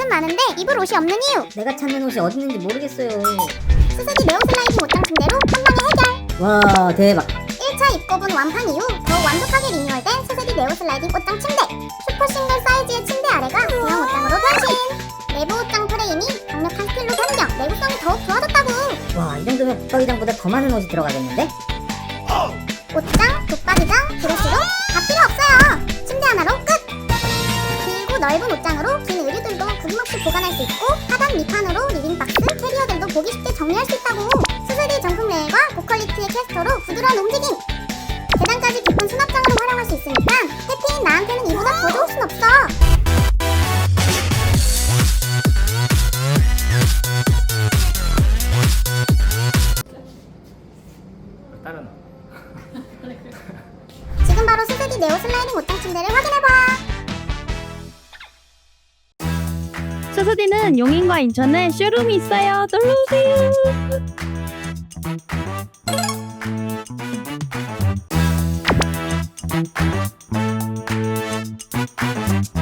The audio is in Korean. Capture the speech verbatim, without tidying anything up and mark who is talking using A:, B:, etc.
A: 많은데 입을 옷이 없는 이유.
B: 내가 찾는 옷이 어디 있는지 모르겠어요.
A: 스스디 네오 슬라이딩 옷장 침대로 한 방에 해결.
B: 와, 대박.
A: 일 차 입고분 완판 이후 더욱 완벽하게 리뉴얼된 스스디 네오 슬라이딩 옷장 침대. 슈퍼 싱글 사이즈의 침대 아래가 대형 옷장으로 변신. 내부 옷장 프레임이 강력한 스틸로 변경. 내구성이 더욱 좋아졌다고.
B: 와, 이 정도면 붙박이장보다 더 많은 옷이 들어가겠는데?
A: 옷장, 붙박이장, 드레스룸 다 필요 없어요. 침대 하나로 끝. 길고 넓은 옷장으로 긴 의류들도 구김없이 보관할 수 있고 하단 밑판으로 리빙박스, 캐리어들도 보기 쉽게 정리할 수 있다고. 스스디 정품 레일과 고퀄리티의 캐스터로 부드러운 움직임. 계단까지 깊은 수납장으로 활용할 수 있으니까 해피인 나한테는 이보다 더 좋을 순 없어.
C: 다른
A: 지금 바로 스스디 네오 슬라이딩 옷장 침대를 확인해봐.
D: 스스디는 용인과 인천에 쇼룸이 있어요. 놀러오세요.